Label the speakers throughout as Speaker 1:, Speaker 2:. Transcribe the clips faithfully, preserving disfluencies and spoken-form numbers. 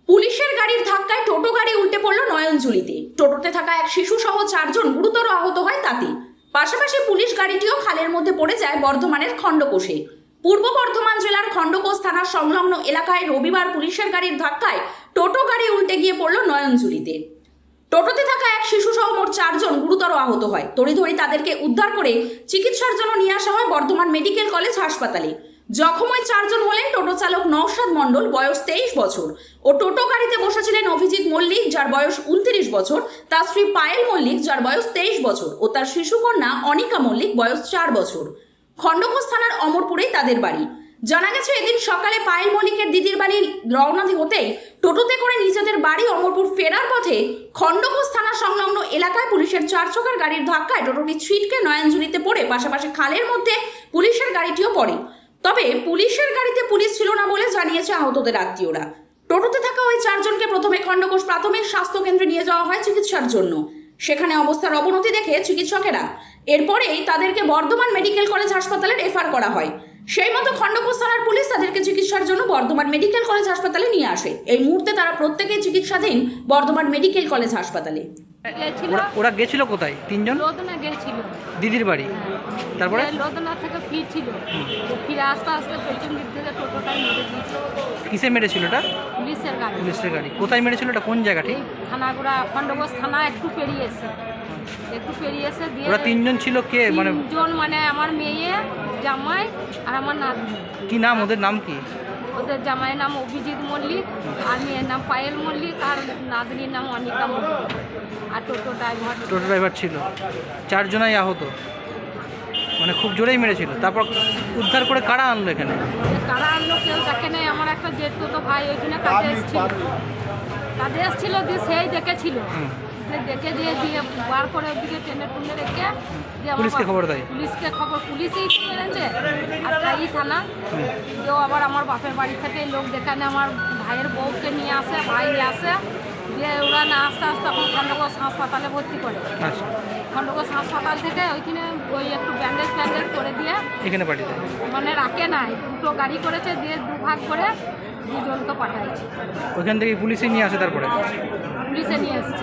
Speaker 1: পুলিশের গাড়ির ধাক্কায় টোটো গাড়ি উল্টে পড়ল নয়নজুলিতে। টোটোতে থাকা এক শিশু সহ চারজন গুরুতর আহত হয় তাতে। পাশাপাশি পুলিশ গাড়িটিও খালের মধ্যে পড়ে যায় বর্ধমানের খণ্ডকোষে। পূর্ব বর্ধমান জেলার খণ্ডকোষ থানার সংলগ্ন এলাকায় রবিবার পুলিশের গাড়ির ধাক্কায় টোটো গাড়ি উল্টে গিয়ে পড়ল নয়নজুলিতে। টোটোতে থাকা এক শিশু সহ মোট চারজন গুরুতর আহত হয়। তড়িঘড়ি তাদেরকে উদ্ধার করে চিকিৎসার জন্য নিয়ে আসা হয় বর্ধমান মেডিকেল কলেজ হাসপাতালে। জখম ওই চারজন হলেন টোটো চালক নওশাদ মণ্ডল, বয়স তেইশ বছর, ও টোটো গাড়িতে বসেছিলেন অভিজিৎ মল্লিক, যার বয়স উনত্রিশ বছর, তার স্ত্রী পায়েল মল্লিক, যার বয়স তেইশ বছর, ও তার শিশুকন্যা অনিকা মল্লিক, বয়স চার বছর। খণ্ডকোষ থানার অমরপুরেই তাদের বাড়ি। জানা গেছে, এদিন সকালে পায়েল মল্লিকের দিদির বাড়ি রওনা হতেই টোটোতে করে নিজেদের বাড়ি অমরপুর ফেরার পথে খণ্ডকোষ থানা সংলগ্ন এলাকায় পুলিশের চার চাকার গাড়ির ধাক্কায় টোটোটি ছিটকে নয়নজুলিতে পড়ে পাশাপাশি খালের মধ্যে পুলিশের গাড়িটিও পড়ে। তবে পুলিশের গাড়িতে পুলিশ ছিল না বলে জানিয়েছে আহতদের আত্মীয়রা। টোটোতে থাকা ওই চারজনকে প্রথমে খণ্ডকোষ প্রাথমিক স্বাস্থ্য কেন্দ্রে নিয়ে যাওয়া হয় চিকিৎসার জন্য। সেখানে অবস্থার অবনতি দেখে চিকিৎসকেরা এরপরেই তাদেরকে বর্ধমান মেডিকেল কলেজ হাসপাতালে রেফার করা হয়। সেই মতো খণ্ডকোষ থানার পুলিশ তাদেরকে চিকিৎসার জন্য বর্ধমান মেডিকেল কলেজ হাসপাতালে নিয়ে আসে। এই মুহূর্তে তারা প্রত্যেকেই চিকিৎসাধীন বর্ধমান মেডিকেল কলেজ হাসপাতালে।
Speaker 2: ওরা- ওরা গেছিল কোথায়? তিনজন
Speaker 3: লোদনা গেছিল,
Speaker 2: দিদির বাড়ি। তারপরে
Speaker 3: লোদনা থেকে ফিরছিল, ফিরে আস্তে আস্তে পেছন দিক থেকে টোটোটাই মেরে দিয়েছে
Speaker 2: কিসে মেরেছিল এটা?
Speaker 3: পুলিশের গাড়ি।
Speaker 2: পুলিশের গাড়ি কোথায় মেরেছিল? এটা কোন জায়গাটি?
Speaker 3: এই থানাগুড়া খণ্ডকোষ থানা একটু পেরিয়েছে, একটু পেরিয়েছে দিয়ে
Speaker 2: ওরা তিনজন ছিল কে? মানে
Speaker 3: তিনজন, মানে আমার মেয়ে, জামাই আর আমার নাতনি।
Speaker 2: কি নাম ওদের? নাম কি?
Speaker 3: ওদের জামাইয়ের নাম অভিজিৎ মল্লিক, আর মেয়ের নাম পায়েল মল্লিক, আর নাতনির নাম অনিকা মল্লিক, আর টোটো ড্রাইভার।
Speaker 2: টোটো ড্রাইভার ছিল। চারজনাই আহত, মানে খুব জোরেই মেরেছিল। তারপর উদ্ধার করে কারা আনলো এখানে?
Speaker 3: কারা আনলো কেউ দেখে নেই। আমার একটা জেঠু তো ভাই ওইখানে কাজে এসেছিল, কাজে এসেছিল দিয়ে সেই দেখেছিল, দিয়ে দেখে দিয়ে দিয়ে বার করে ওদিকে টেনে টুনে রেখে দিয়ে আমার
Speaker 2: পুলিশকে
Speaker 3: বাপ-
Speaker 2: খবর দেয়?
Speaker 3: পুলিশকে খবর, পুলিশই মেরেছে। আর তাই থানা কেউ আবার আমার বাপের বাড়ি থেকে লোক দেখানে আমার ভাইয়ের বউকে নিয়ে আসে, ভাই আসে, দিয়ে ওরা না আস্তে আস্তে তখন খণ্ডকোষ হাসপাতালে ভর্তি করে।
Speaker 2: আচ্ছা,
Speaker 3: খণ্ডকোষ হাসপাতাল থেকে ওইখানে ওই একটু ব্যান্ডেজ ফ্যান্ডেজ করে দিয়ে
Speaker 2: এখানে পাঠিয়ে দেয়।
Speaker 3: মানে রাখে নাই, দুটো গাড়ি করেছে, দিয়ে দুভাগ করে দুজনকে পাঠাইছে।
Speaker 2: ওইখান থেকে পুলিশে নিয়ে আসে। তারপরে
Speaker 3: পুলিশে নিয়ে এসছে,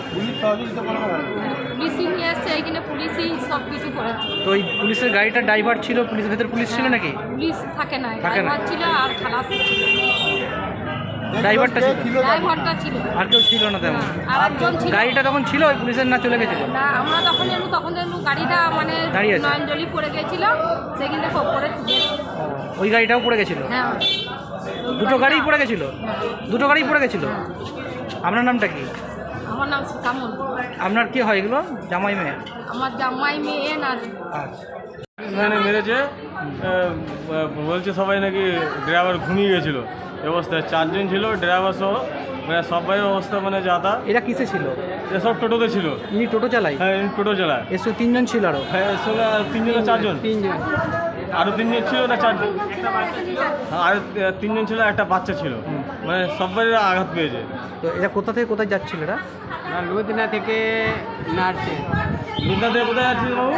Speaker 3: পুলিশই নিয়ে এসছে, এইখানে পুলিশই সব কিছু করেছে।
Speaker 2: তো ওই পুলিশের গাড়িটা ড্রাইভার ছিল, পুলিশের ভেতর পুলিশ ছিল নাকি?
Speaker 3: পুলিশ থাকে না,
Speaker 2: থাকে না।
Speaker 3: ড্রাইভার ছিল আর খালাস ছিল,
Speaker 2: ড্রাইভারটা ছিল,
Speaker 3: ড্রাইভারটা ছিল,
Speaker 2: আর কেউ ছিল না তেমন?
Speaker 3: আর একজন ছিল।
Speaker 2: গাড়িটা তখন ছিল ওই পুলিশের, না চলে গেছিল?
Speaker 3: না, আমরা তখন এলু তখন এলু গাড়িটা মানে
Speaker 2: দাঁড়িয়ে আছে।
Speaker 3: নয়নজলি পড়ে গেছিল, সেখান থেকে ওপরে তুলে।
Speaker 2: ওই গাড়িটাও পড়ে গেছিল?
Speaker 3: হ্যাঁ,
Speaker 2: দুটো গাড়িই পড়ে গেছিল? দুটো গাড়ি পড়ে গেছিল। আপনার নামটা কি?
Speaker 3: আমার নাম সীতামল।
Speaker 2: আপনার কি হয় এগুলো? জামাই মেয়ে?
Speaker 3: আমার জামাই মেয়ে না।
Speaker 2: আচ্ছা,
Speaker 4: এখানে মেরেছে, আহ, বলছে সবাই নাকি ড্রাইভার ঘুমিয়ে গেছিলো এই অবস্থায়। চারজন ছিল ড্রাইভার সহ, মানে সবাই অবস্থা মানে যাতা।
Speaker 2: এরা কিসে ছিল?
Speaker 4: এসব টোটোতে ছিল।
Speaker 2: ইনি টোটো চালায়?
Speaker 4: হ্যাঁ, ইনি টোটো চালায়।
Speaker 2: এর সঙ্গে তিনজন ছিল আরো?
Speaker 4: হ্যাঁ, এর সঙ্গে আর তিনজন না চারজন?
Speaker 2: তিনজন।
Speaker 4: আরও তিনজন ছিল না চারজন? হ্যাঁ, আর তিনজন ছিল, একটা বাচ্চা ছিল, মানে সবাই আঘাত পেয়েছে।
Speaker 2: তো এরা কোথা থেকে কোথায় যাচ্ছিল এরা?
Speaker 5: লুধিনা থেকে নাড়ছে,
Speaker 4: লুধনা থেকে কোথায় যাচ্ছিল বাবু?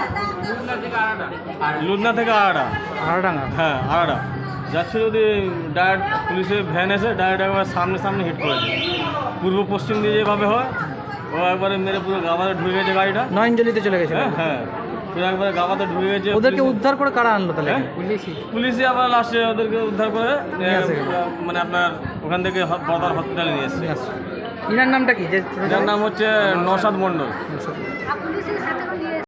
Speaker 4: লুধনা থেকে আড়া।
Speaker 2: আড়াডাঙ্গা?
Speaker 4: হ্যাঁ, আড়া যাচ্ছিল, যদি ডাইরেক্ট পুলিশের ভ্যান এসে ডাইরেক্ট একবার সামনে সামনে হিট করেছে। পূর্ব পশ্চিম দিয়ে যেভাবে হয়, ও একবারে মেরে পুরো গাবাতে ঢুকে গেছে গাড়িটা।
Speaker 2: নয়নজলিতে চলে গেছিল?
Speaker 4: হ্যাঁ হ্যাঁ, পুরো একবারে গাবাতে ঢুকে গেছে।
Speaker 2: ওদেরকে
Speaker 4: পুলিশে-
Speaker 2: উদ্ধার করে কারা আনলো তাহলে?
Speaker 4: হ্যাঁ?
Speaker 5: পুলিশই
Speaker 4: পুলিশই আবার লাস্টে ওদেরকে উদ্ধার করে
Speaker 2: নিয়ে আসে।
Speaker 4: এ, মানে আপনার ওখান থেকে হ- বর্ধমান হসপিটালে নিয়ে এসছে।
Speaker 2: আচ্ছা, ইনার নামটা কি? যে
Speaker 4: এটার নাম হচ্ছে নওশাদ মণ্ডল।